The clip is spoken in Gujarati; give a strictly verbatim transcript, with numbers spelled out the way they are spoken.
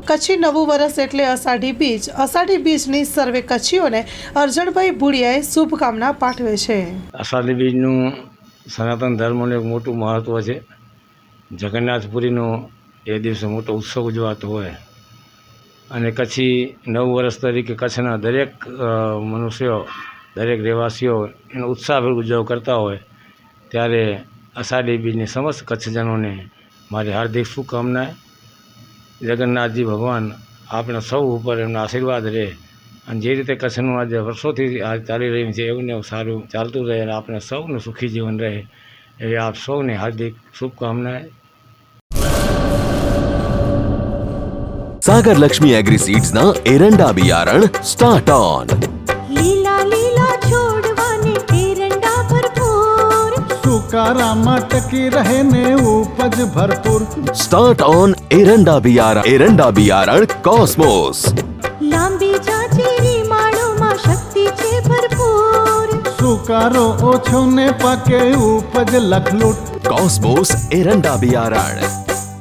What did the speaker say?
કચ્છી નવું વર્ષ એટલે અષાઢી બીજ. અષાઢી બીજની સર્વે કચ્છીઓને અરજણભાઈ ભુડિયાએ શુભકામના પાઠવે છે. અષાઢી બીજનું સનાતન ધર્મનું એક મોટું મહત્ત્વ છે. જગન્નાથપુરીનો એ દિવસે મોટો ઉત્સવ ઉજવાતો હોય અને કચ્છી નવ વર્ષ તરીકે કચ્છના દરેક મનુષ્યો, દરેક રહેવાસીઓ એનો ઉત્સાહભેર ઉજવ કરતા હોય ત્યારે અષાઢી બીજની સમસ્ત કચ્છજનોને મારી હાર્દિક શુભકામનાએ. જગન્નાથજી ભગવાન આપણે સૌ ઉપર એમના આશીર્વાદ રહે અને જે રીતે કચ્છનું આજે વર્ષોથી આ ચાલી રહ્યું છે એવું ને એવું સારું ચાલતું રહે અને આપણે સૌનું સુખી જીવન રહે એવી આપ સૌને હાર્દિક શુભકામનાએ. सागर लक्ष्मी एग्री सीड्स ना एरंडा बियारण स्टार्ट ऑन. લીલા લીલા છોડવાને એરંડા ભરપૂર, સુકારામાં ટકી રહે ને ઉપજ ભરપૂર. स्टार्ट ऑन एरंडा बियारण. एरंડા बियारण कॉस्मोस. લાંબી જાચેરી માળોમાં શક્તિ છે ભરપૂર, સુકારો ઓછો ને પાકે ઉપજ લખલૂટ. कॉस्मोस एरंડા बियारण.